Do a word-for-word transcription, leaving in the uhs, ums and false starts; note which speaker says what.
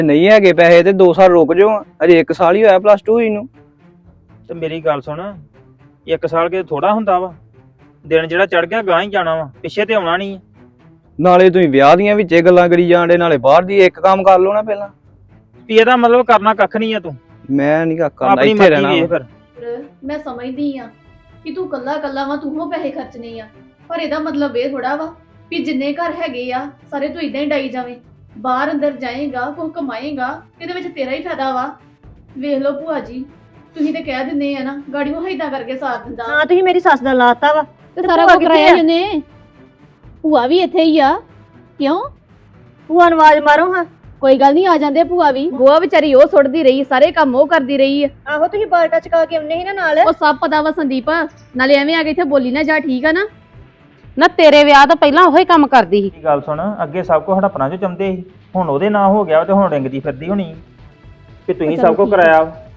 Speaker 1: ਨਹੀਂ ਹੈਗੇ ਪੈਸੇ ਤੇ ਦੋ ਸਾਲ ਰੁਕ ਜਾਓ, ਅਜੇ ਇੱਕ ਸਾਲ ਹੀ ਹੋਇਆ ਪਲੱਸ ਟੂ ਇਹਨੂੰ।
Speaker 2: ਤੇ ਮੇਰੀ ਗੱਲ ਸੁਣ, ਇੱਕ ਸਾਲ ਕੇ ਥੋੜਾ ਹੁੰਦਾ ਵਾ, ਦਿਨ ਜਿਹੜਾ ਚੜ ਗਿਆ ਗਾਂ ਹੀ ਜਾਣਾ ਵਾ, ਪਿੱਛੇ ਤੇ ਆਉਣਾ ਨਹੀਂ।
Speaker 1: ਨਾਲੇ ਤੁਸੀਂ ਵਿਆਹ ਦੀਆਂ ਵਿੱਚੇ ਗੱਲਾਂ ਕਰੀ ਜਾਂਦੇ, ਨਾਲੇ ਬਾਹਰ ਦੀ ਇੱਕ ਕੰਮ ਕਰ ਲਓ ਨਾ ਪਹਿਲਾਂ।
Speaker 2: ਵੀ ਇਹਦਾ ਮਤਲਬ ਕਰਨਾ ਕੱਖ ਨਹੀਂ ਆ ਤੂੰ,
Speaker 1: ਮੈਂ ਨਹੀਂ ਕਰਨਾ,
Speaker 2: ਆਪਣੀ
Speaker 1: ਇੱਥੇ
Speaker 2: ਮਰਜ਼ੀ
Speaker 1: ਰਹਿਣਾ
Speaker 2: ਵੇਖ
Speaker 1: ਵਾ।
Speaker 2: ਫਿਰ।
Speaker 3: ਮੈਂ ਸਮਝਦੀ ਆ ਕਿ ਤੂੰ ਕੱਲਾ ਕੱਲਾ ਵਾ, ਤੂੰ ਹੋ ਪੈਸੇ ਖਰਚਣੇ ਆ, ਪਰ ਇਹਦਾ ਮਤਲਬ ਇਹ ਥੋੜਾ ਵਾ ਵੀ ਜਿੰਨੇ ਘਰ ਹੈਗੇ ਆ ਸਾਰੇ ਤੂੰ ਇਦਾਂ ਹੀ ਡਾਈ ਜਾਵੇਂ। ਬਾਹਰ ਅੰਦਰ ਜਾਏਗਾ, ਕੁਝ ਕਮਾਏਗਾ, ਇਹਦੇ ਵਿੱਚ ਤੇਰਾ ਹੀ ਫਾਇਦਾ ਵਾ। ਵੇਖ ਲਓ ਭੂਆ ਜੀ, ਤੁਸੀਂ ਤੇ ਕਹਿ ਦਿੰਦੇ ਆ ਨਾ ਗਾੜੀ ਉਹ ਏਦਾਂ ਕਰਕੇ ਸਾਥ ਦਿੰਦਾ।
Speaker 4: ਹਾਂ ਤੁਸੀਂ ਮੇਰੀ ਸੱਸ ਦਾ ਲਾਤਾ ਵਾ
Speaker 3: ਤੇ ਸਾਰਾ ਕੁਝ ਕਰਾਇਆ ਇਹਨੇ। ਭੂਆ ਵੀ ਇੱਥੇ ਹੀ ਆ। ਕਿਉਂ?
Speaker 4: ਭੂਆ ਨੂੰ ਆਵਾਜ਼ ਮਾਰੋ ਹਾਂ।
Speaker 3: ਕੋਈ ਗੱਲ ਨਹੀਂ, ਆ ਜਾਂਦੇ ਭੂਆ ਵੀ। ਬੂਆ ਵਿਚਾਰੀ ਉਹ ਸੁੱਟਦੀ ਰਹੀ, ਸਾਰੇ ਕੰਮ ਉਹ ਕਰਦੀ ਰਹੀ ਆ।
Speaker 4: ਆਹੋ ਤੁਸੀਂ ਬਾਲਟਾ ਚਕਾ ਕੇ ਆਉਨੇ ਸੀ ਨਾ ਨਾਲ।
Speaker 3: ਉਹ ਸਭ ਪਤਾ ਵਾ ਸੰਦੀਪ, ਨਾਲੇ ਐਵੇਂ ਆ ਕੇ ਇੱਥੇ ਬੋਲੀ ਨਾ ਜਾ, ਠੀਕ ਆ ਨਾ।
Speaker 5: ਨਾ ਤੇਰੇ ਵਿਆਹ ਤੋਂ ਪਹਿਲਾਂ ਉਹੀ ਕੰਮ ਕਰਦੀ ਸੀ।
Speaker 2: ਇਹ ਗੱਲ ਸੁਣ, ਅੱਗੇ ਸਭ ਕੁਝ ਹੜਪਣਾ ਚ ਚਾਹੁੰਦੇ ਸੀ, ਹੁਣ ਉਹਦੇ ਨਾਂ ਹੋ ਗਿਆ ਤੇ ਹੁਣ ਰਿੰਗਦੀ ਫਿਰਦੀ ਹੋਣੀ ਕਿ ਤੁਸੀਂ ਸਭ ਕੁਝ ਕਰਾਇਆ।